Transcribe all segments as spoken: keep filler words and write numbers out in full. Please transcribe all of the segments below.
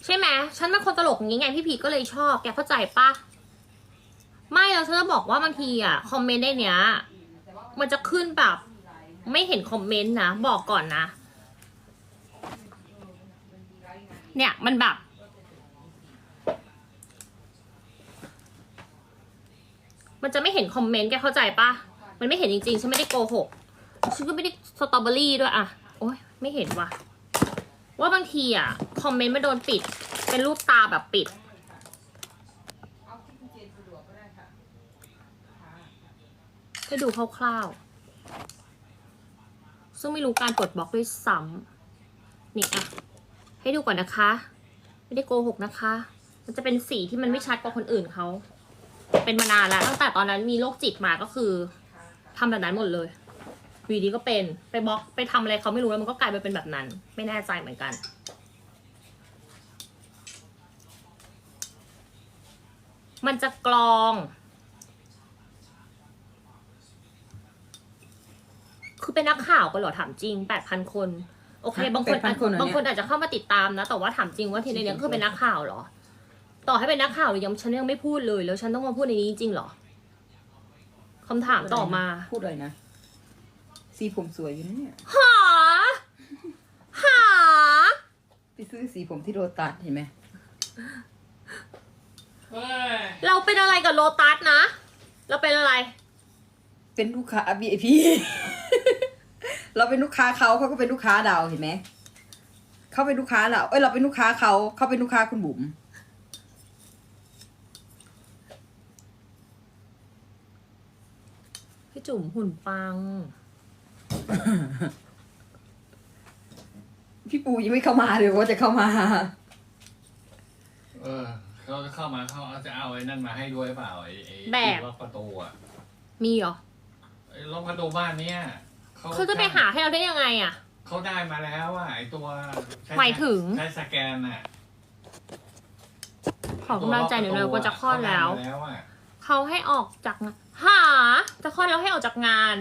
ใช่ไหมฉันเป็นคนตลกอย่างงี้ไงพี่พีก็เลยชอบแกเข้าใจปะไม่แล้วฉันจะบอกว่าบางทีอ่ะคอมเมนต์ในเนี้ยมันจะขึ้นแบบไม่เห็นคอมเมนต์นะบอกก่อนนะเนี่ยมันแบบมันจะไม่เห็นคอมเมนต์แกเข้าใจปะมันไม่เห็นจริงๆฉันไม่ได้โกหกฉันก็ไม่ได้สตรอเบอรี่ด้วยอะโอ๊ยไม่เห็นว่ะว่าบางทีอะคอมเมนต์มันโดนปิดเป็นรูปตาแบบปิดให้ดูคร่าวๆซึ่งไม่รู้การปลดบล็อกด้วยซ้ำนี่อะให้ดูก่อนนะคะไม่ได้โกหกนะคะมันจะเป็นสีที่มันไม่ชัดกว่าคนอื่นเขาเป็นมานานแล้วตั้งแต่ตอนนั้นมีโรคจิตมาก็คือทำแบบนั้นหมดเลยวีดีก็เป็นไปบล็อกไปทำอะไรเขาไม่รู้แล้วมันก็กลายไปเป็นแบบนั้นไม่แน่ใจเหมือนกันมันจะกรองคือเป็นนักข่าวกันเหรอถามจริงแปดพันคนโอเคบางคนบางคนอาจจะเข้ามาติดตามนะแต่ว่าถามจริงว่าทีในนี้คือเป็นนักข่าวเหรอต่อให้เป็นนักข่าวหรือยังฉันยังไม่พูดเลยแล้วฉันต้องมาพูดในนี้จริงเหรอคำถามต่อมาพูดเลยนะสีผมสวยอยู่นะเนี่ยหาหาไปซื้อสีผมที่โรตัสเห็นไหมเราเป็นอะไรกับโลตัสนะเราเป็นอะไรเป็นลูกค้า วี ไอ พี เราเป็นลูกค้าเขาเขาก็เป็นลูกค้าเราเห็นไหมเขาเป็นลูกค้าเราเอ้ยเราเป็นลูกค้าเขาเขาเป็นลูกค้าคุณบุ๋มพี่จุ๋มหุ่นปังพี่ปูยังไม่เข้ามาเลยว่าจะเข้ามาเออเขาจะเข้ามาเขาจะเอาไอ้นั่นมาให้ด้วยเปล่าไอ้ไอ้ล็อกประตูอ่ะมีเหรอไอ้ล็อกประตูบ้านเนี้ยเขาจะไปหาให้เราได้ยังไงอ่ะเขาได้มาแล้วอ่ะไอ้ตัวหมายถึงใช้สแกนอ่ะขอกำลังใจหน่อยเลยว่าจะคลอดแล้วเขาให้ออกจากงานหาจะคลอดแล้วให้ออกจากงาน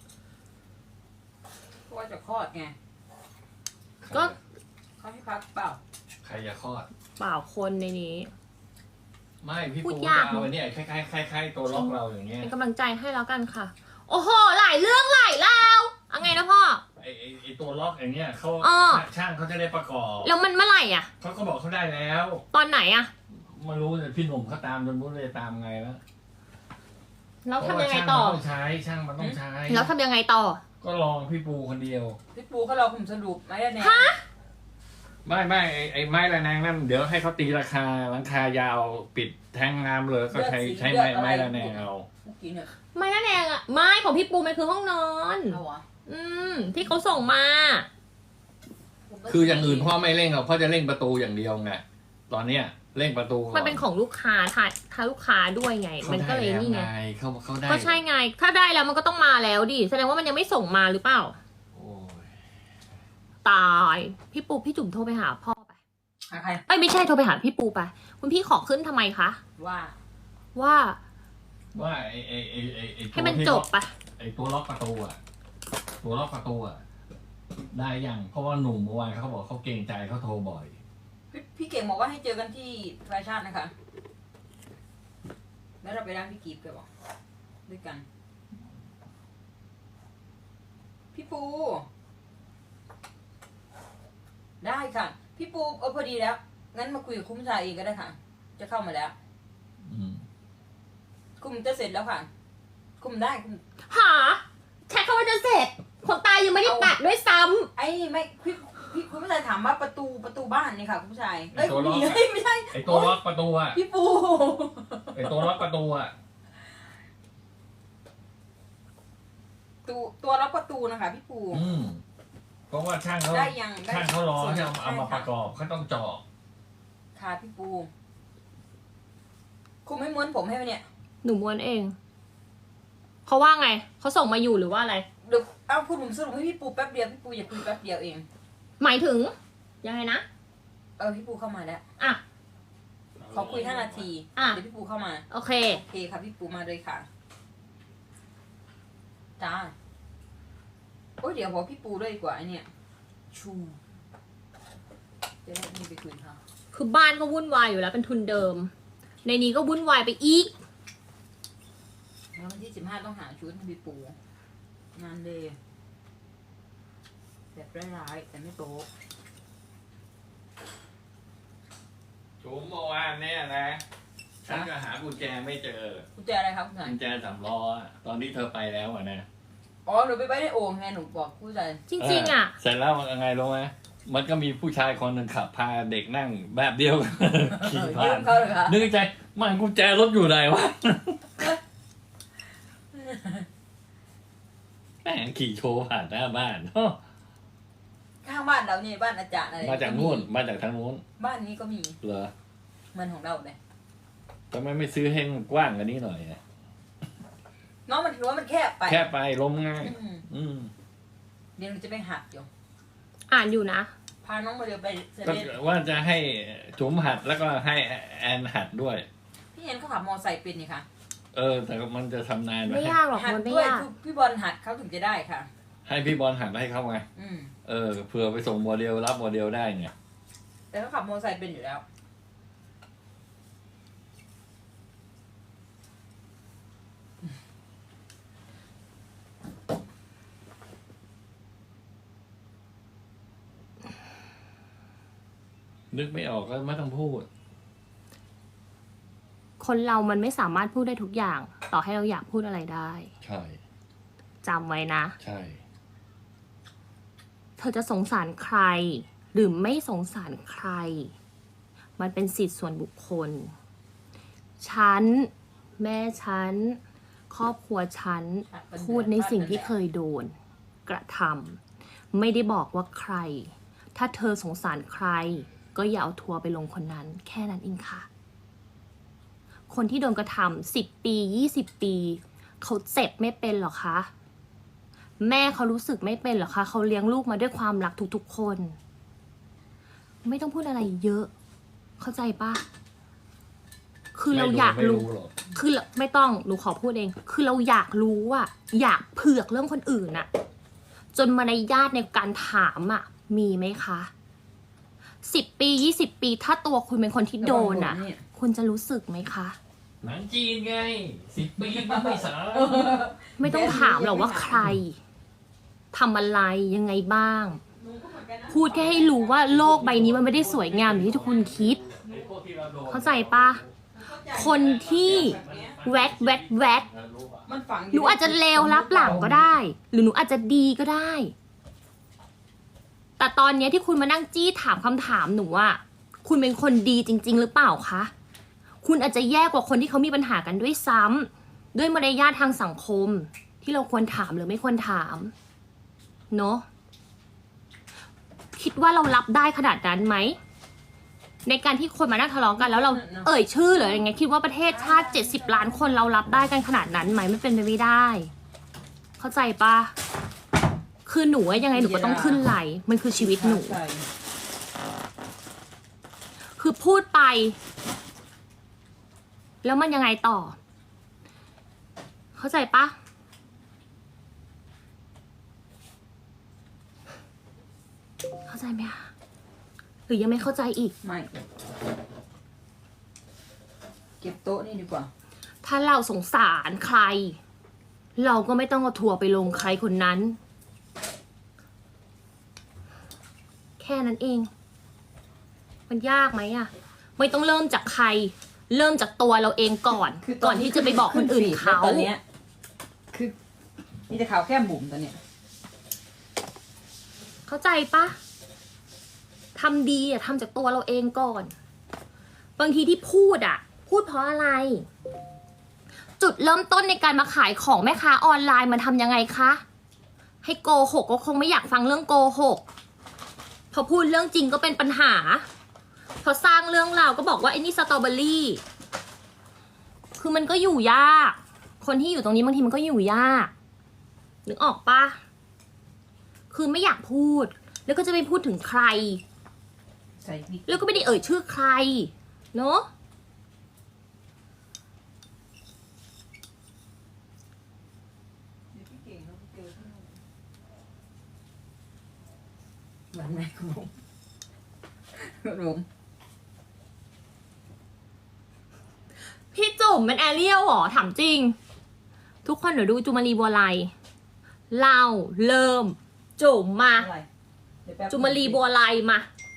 เพราะว่าจะคลอดไงก็เขาให้พักเปล่าใครจะคลอดเปล่าคนในนี้ไม่พี่ปูจะเอาไอ้นี่คล้ายๆคล้ายๆตัวล็อกเราอย่างเงี้ยเป็นกำลังใจให้แล้วกันค่ะโอ้โหหลายเรื่องหลายราวเอาไงนะพ่อไอ้ไอ้ตัวล็อกอย่างเงี้ยเขาช่างเขาจะได้ประกอบแล้วมันเมื่อไหร่อ่ะเขาก็บอกเขาได้แล้วตอนไหนอ่ะไม่รู้แต่พี่หนุ่มเขาตามจนรู้เลยตามไงแล้วแล้วทำยังไงต่อต้องใช้ช่างมันต้องใช้แล้วทำยังไงต่อก็ลองพี่ปูคนเดียวพี่ปูเขาลองผมสรุปไม่ได้แน่ฮะไม่ไม่ไอ้ไอ้ไม้ระแนงนั่นเดี๋ยวให้เขาตีราคาราคายาวปิดแทงน้ำเลยก็ใช้ใช้ไม้ไม้ระแนงเอาไม้ระแนงอ่ะไม้ของพี่ปูมันคือห้องนอนอืมที่เขาส่งมาคืออย่างอื่นพ่อไม่เร่งหรอกพ่อจะเร่งประตูอย่างเดียวไงตอนเนี้ยเร่งประตูมันเป็นของลูกค้าทาทาลูกค้าด้วยไงมันก็เลยนี่ไงเขาเขาได้ก็ใช่ไงถ้าได้แล้วมันก็ต้องมาแล้วดิแสดงว่ามันยังไม่ส่งมาหรือเปล่าตายพี่ปูพี่จุ๋มโทรไปหาพ่อไปหาใครเอ้ยไม่ใช่โทรไปหาพี่ปูไปคุณพี่ขอขึ้นทำไมคะว่าว่าว่าไอ้ไอ้ไอ้ไอ้ไอ้ให้มันจบไปไอ้ตัวล็อกประตูอ่ะตัวล็อกประตูอ่ะได้ยังเพราะว่าหนุ่มเมื่อวานเขาบอกเขาเกรงใจเขาโทรบ่อยพี่เก่งบอกว่าให้เจอกันที่แฟชั่นนะคะแล้วเราไปร้านพี่กีบกันบอกด้วยกันพี่ปูได้ค่ะพี่ปูเออพอดีแล้วงั้นมาคุยกับคุ้มชายเองก็ได้ค่ะจะเข้ามาแล้วคุมจะเสร็จแล้วค่ะคุมได้คุมหาแค่เขาว่าจะเสร็จคนตายยังไม่ได้ตัดด้วยซ้ำไอ้ไม่พี่พี่คุณผู้ชายถามว่าประตูประตูบ้านนี่ค่ะคุณผู้ชายเอ้ยไม่ใช่ไอ้ตัวล็อกประตูอ่ะพี่ปูไอ้ตัวล็อกประตูอ่ะตัวตัวล็อกประตูนะคะพี่ปูอืมเพราะว่าช่างเขาได้ยังช่างเขารอจะเอามาประกอบเขาต้องเจาะค่ะพี่ปูคุณไม่ม้วนผมให้ไหมเนี่ยหนูม้วนเองเขาว่าไงเขาส่งมาอยู่หรือว่าอะไรเดี๋ยวเอาคุณผมสรุปให้พี่ปูแป๊บเดียวพี่ปูอย่าคุยแป๊บเดียวเองหมายถึงยังไงนะเออพี่ปูเข้ามาแล้วอ่ะขอคุยห้านาทีอ่ะเดี๋ยวพี่ปูเข้ามาโอเคโอเคค่ะพี่ปูมาเลยค่ะจ้าโอ้ยเดี๋ยวบอกพี่ปูด้วยดีกว่าไอเนี่ยชูจะได้ไม่ไปคุยค่ะคือบ้านก็วุ่นวายอยู่แล้วเป็นทุนเดิม ในนี้ก็วุ่นวายไปอีกแล้ววันที่สิบห้าต้องหาชุดให้พี่ปูงานเลยแบบร้ายๆแต่ไม่โป๊ะจุ๋มเมื่อวานเนี่ยนะฉันก็หากุญแจไม่เจอกุญแจอะไรครับคุณนายกุญแจสำล้ออะตอนที่เธอไปแล้วอะนะอ๋อหนูไปไว้ในโอ่งไงหนูบอกผู้ใจจริงๆอ่ะเสร็จแล้วมันยังไงรู้ไหมมันก็มีผู้ชายคนหนึ่งขับพาเด็กนั่งแบบเดียวกัน ขี่ผ่ายืนมเขาเลยค่ะนึกในใจมันกุญแจรถอยู่ไหนวะ แม่งขี่โชว์ผ่านหน้าบ้านข้างบ้านเรานี่บ้านอาจารย์อะไรมาจากนู่นมาจากทางนู้นบ้านนี้ก็มีเหรอเหมันของเราเลยทำไมไม่ซื้อให้มันกว้างกว่านี้หน่อยอะน้องมันรู้ว่ามันแคบไปแค่ไปล้มง่ายอืมอืมเดี๋ยวหนูจะไปหัดอยู่อ่านอยู่นะพาน้องมาเดี๋ยวไปเซก็เว่นว่าจะให้จุ๋มหัดแล้วก็ให้แอนหัดด้วยพี่เอ็นเขาขับมอไซค์เป็นนี่ค่ะเออ แต่มันจะทำนานไหมไม่ยากหรอกหัดมันไม่ด้วยยากคือพี่บอลหัดเขาถึงจะได้ค่ะให้พี่บอลหัดให้เขาไงอืมเออเผื่อไปส่งโมเดลรับโมเดลได้ไงแต่เขาขับมอไซค์เป็นอยู่แล้วนึกไม่ออกก็ไม่ต้องพูดคนเรามันไม่สามารถพูดได้ทุกอย่าง ต่อให้เราอยากพูดอะไรได้ใช่จำไว้นะใช่เธอจะสงสารใคร หรือไม่สงสารใคร มันเป็นสิทธิส่วนบุคคล ฉัน แม่ฉัน ครอบครัวฉัน พูดในสิ่งที่เคยโดน กระทำไม่ได้บอกว่าใคร ถ้าเธอสงสารใคร ก็อย่าเอาทัวร์ไปลงคนนั้น แค่นั้นเองค่ะ คนที่โดนกระทำสิบปียี่สิบปี เขาเจ็บไม่เป็นหรอคะ แม่เขารู้สึกไม่เป็นหรอคะ เขาเลี้ยงลูกมาด้วยความรักทุกๆคน ไม่ต้องพูดอะไรเยอะ เข้าใจปะคือเราอยากไม่รู้หรอกคือเราไม่ต้องหนูขอพูดเอง คือเราอยากรู้อะอยากเผือกเรื่องคนอื่นอะจนมารยาทในการถามอะมีไหมคะสิบปียี่สิบปี ถ้าตัวคุณเป็นคนที่โดนอะคุณจะรู้สึกไหมคะหนังจีนไงสิบปีมันไม่สาไม่ต้องถามหรอกว่าใครทำอะไรยังไงบ้าง พูดแค่ให้รู้ว่าโลกใบนี้มันไม่ได้สวยงามอย่างที่ทุกคนคิด เข้าใจปะคนที่แวดแวดแวดมันฝังหนูอาจจะเลวรับหลังก็ได้ หรือหนูอาจจะดีก็ได้ แต่ตอนเนี้ยที่คุณมานั่งจี้ถามคำถามหนูว่าคุณเป็นคนดีจริง ๆ หรือเปล่าคะ คุณอาจจะแย่กว่าคนที่เขามีปัญหากันด้วยซ้ำด้วยมารยาททางสังคม ที่เราควรถามหรือไม่ควรถามเนาะคิดว่าเรารับได้ขนาดนั้นไหมในการที่คนมานั่งทะเลาะกันแล้วเราเอ่ยชื่อหรืออะไรเงี้ยคิดว่าประเทศชาติเจ็ดสิบล้านคนเรารับได้กันขนาดนั้นไหมไม่เป็นไปไม่ได้ เข้าใจปะคือหนูอะยังไงหนูก็ต้องขึ้นไหลมันคือชีวิตหนูใช่คือพูดไป แล้วมันยังไงต่อ เข้าใจปะเข้าใจไหมคะหรือยังไม่เข้าใจอีกไม่เก็บโต๊ะนี่ดีกว่าถ้าเราสงสารใคร เราก็ไม่ต้องเอาทัวร์ไปลงใครคนนั้น แค่นั้นเอง มันยากไหมอะไม่ต้องเริ่มจากใคร เริ่มจากตัวเราเองก่อนคือตก่อนที่จะไปบอกคนอื่นเขาตอนเนี้ยคือมีแต่ข่าวแค่บุ๋มตอนเนี้ยเข้าใจปะทำดีอะทำจากตัวเราเองก่อน บางทีที่พูดอะพูดเพราะอะไร จุดเริ่มต้นในการมาขายของแม่ค้าออนไลน์มันทำยังไงคะ ให้โกหกก็คงไม่อยากฟังเรื่องโกหก พอพูดเรื่องจริงก็เป็นปัญหา พอสร้างเรื่องราวก็บอกว่าไอ้นี่สตรอเบอรี่ คือมันก็อยู่ยาก คนที่อยู่ตรงนี้บางทีมันก็อยู่ยาก นึกออกปะคือไม่อยากพูด แล้วก็จะไม่พูดถึงใครใส่พริกแล้วก็ไม่ได้เอ่ยชื่อใคร เนอะเหมือนไหมคุณบุ๋มคุณบุ๋มจุ่มเป็นแอเรียลเหรอถามจริง ทุกคนเดี๋ยวดูจุมารีบัวไลเราเริ่ม จุ่มมาอะไรเดี๋ยวแป๊บจุมารีบัวไลมา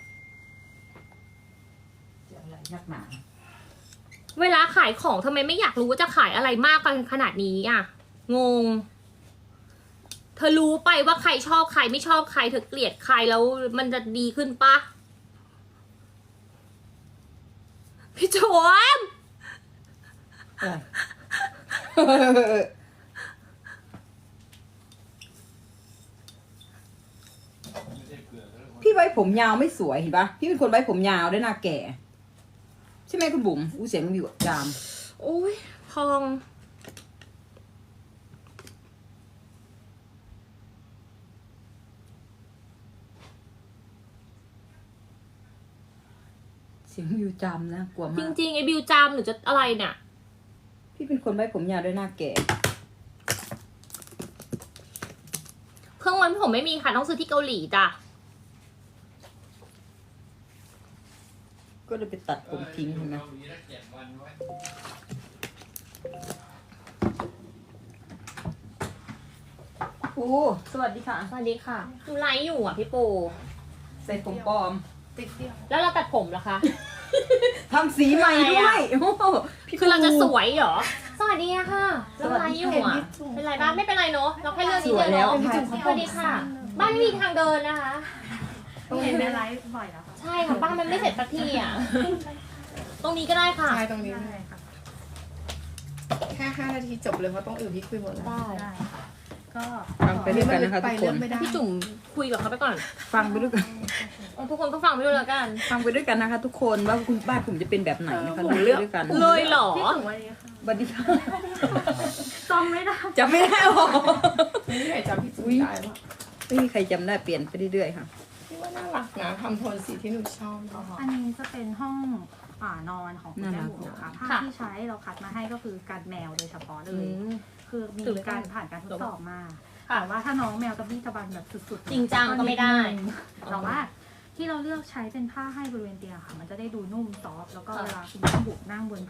จะอะไรนักหนาเวลาขายของทำไมไม่อยากรู้ว่าจะขายอะไรมากกันขนาดนี้อ่ะ งง เธอรู้ไปว่าใครชอบใครไม่ชอบใครเธอเกลียดใครแล้วมันจะดีขึ้นปะพี่โจมอะไรพี่ไว้ผมยาวไม่สวยเห็นปะพี่เป็นคนไว้ผมยาวด้วยหน้าแก่ ใช่ไหมคุณบุ๋มอู้เสียงมันมีจามโอ้ยพองเสียงวิวจามนะกลัวจมากริงๆไอ้บิวจามหรือจะอะไรเนี่ยพี่เป็นคนไว้ผมยาวด้วยหน้าแก่เครื่องวันผมไม่มีค่ะต้องซื้อที่เกาหลีจ้ะก็เลยไปตัดผมทิ้งเห็นไหมโอ้สวัสดีค่ะสวัสดีค่ะดูไลฟ์อยู่อ่ะพี่ปูใส่ผมปลอมแล้วเราตัดผมเหรอคะทำสีใหม่ด้วยโอ้โหพี่คือเราจะสปูวยเหรอ สวัสดีอะค่ะเราไลฟ์อยู่อ่ะ เป็นไรบ้างไม่เป็นไรเนอะเราแค่เลือกนิดเดียวเนอะสวัสดีค่ะ บ้านไม่มีทางเดินนะคะเห็นในไลฟ์บ่อยแล้วค่ะใช่ค่ะบ้านมันไม่เสร็จสักทีอ่ะ ตรงนี้ก็ได้ค่ะใช่ตรงนี้เลยค่ะ แค่ห้านาทีจบเลยเพราะต้องอื่นพี่คุยหมดแล้วได้ได้ค่ะก็ฟังไปด้วยกันนะคะทุกคนไปเรื่องไม่ได้พี่จุ๋มคุยกับเขาไปก่อนฟังไปด้วยกันเอาทุกคนก็ฟังไปด้วยแล้วกันฟังไปด้วยกันนะคะ ทุกคนว่าคุณบ้านผมจะเป็นแบบไหนนะคะผมดูเลือกด้วยกันเลยเหรอพี่จุ๋มวันนี้ค่ะสวัสดีค่ะจำไม่ได้จำไม่ได้หรอไม่มีใครจำพี่จุ๋มได้หรอกไม่มีใครจำได้เปลี่ยนไปเรื่อยๆค่ะพี่ว่าน่ารักนะทำโทนสีที่หนูชอบเนอะอันนี้จะเป็นห้องอ่านอนของคุณน่าแม่รักหมูค่ะผ้าค่ะที่ใช้เราคัดมาให้ก็คือการแมวโดยเฉพาะเลอืยมคือมีตื่นเลยการผ่านการทดสอบมาค่ะแต่ว่าถ้าน้องแมวตะบี้ตะบันแบบสุดๆจริงจังก็ไม่ได้นินึงแต่ว่าที่เราเลือกใช้เป็นผ้าให้บริเวณเตียงค่ะ มันจะได้ดูนุ่มซอฟต์แล้วก็ค่ะเวลาคุณแม่บุกนั่งบน